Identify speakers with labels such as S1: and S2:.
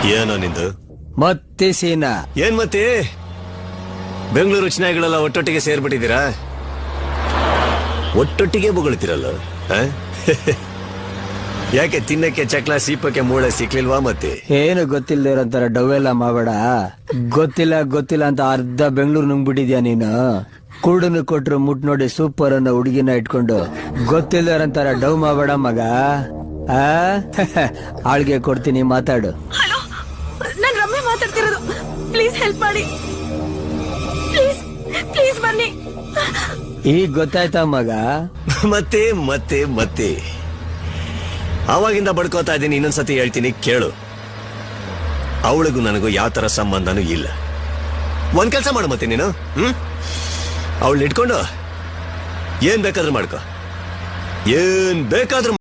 S1: ಏನೋ ನಿಂದು
S2: ಮತ್ತೆ ಸೀನಾ
S1: ಏನ್ ಮತ್ತೆ ಬೆಂಗಳೂರು ಚಿನಾಯಿಗಳೆಲ್ಲ ಒಟ್ಟೊಟ್ಟಿಗೆ ಸೇರ್ಬಿಟ್ಟಿದ್ದೀರಾ? ಒಟ್ಟೊಟ್ಟಿಗೆ ಬೊಗಳ್ತಿರಲ್ಲ ಯಾಕೆ ತಿನ್ನಕ್ಕೆ ಚಕ್ಲ ಸೀಪಕ್ಕೆ ಮೂಳೆ ಸಿಕ್ಲಿಲ್ವಾ? ಮತ್ತೆ
S2: ಏನು ಗೊತ್ತಿಲ್ಲದೆ ಇರೋಂತರ ಡವೆಲ್ಲ ಮಾಡಬೇಡ. ಗೊತ್ತಿಲ್ಲ ಅಂತ ಅರ್ಧ ಬೆಂಗಳೂರು ನುಂಗ್ಬಿಟ್ಟಿದ್ಯಾ ನೀನು. ಕುರುಡನ್ನು ಕೊಟ್ರು ಮುಟ್ ನೋಡಿ ಸೂಪರ್ ಅನ್ನೋ ಹುಡುಗಿನ ಇಟ್ಕೊಂಡು ಗೊತ್ತಿಲ್ಲದೆ ಇರೋಂತರ ಡವ್ ಮಾಡಬೇಡ ಮಗ. ಆಳ್ಗೆ ಕೊಡ್ತೀನಿ, ಮಾತಾಡು.
S3: ಹಲೋ, ನಾನು ರಮ್ಯ ಮಾತಾಡ್ತಿರೋದು. ಪ್ಲೀಸ್ ಹೆಲ್ಪ್ ಮಾಡಿ, ಪ್ಲೀಸ್ ಪ್ಲೀಸ್ ಬನ್ನಿ.
S2: ಈಗ ಗೊತ್ತಾಯ್ತಾ ಮಗ?
S1: ಮತ್ತೆ ಮತ್ತೆ ಮತ್ತೆ ಅವಾಗಿಂದ ಬಡ್ಕೋತಾ ಇದ್ದೀನಿ. ಇನ್ನೊಂದ್ಸತಿ ಹೇಳ್ತೀನಿ ಕೇಳು. ಅವಳಿಗೂ ನನಗೂ ಯಾವ ತರ ಸಂಬಂಧನೂ ಇಲ್ಲ. ಒಂದ್ ಕೆಲಸ ಮಾಡು ಮತ್ತೆ ನೀನು, ಅವಳನ್ನ ಇಟ್ಕೊಂಡು ಏನ್ ಬೇಕಾದ್ರೂ ಮಾಡ್ಕೋ, ಏನ್ ಬೇಕಾದ್ರೂ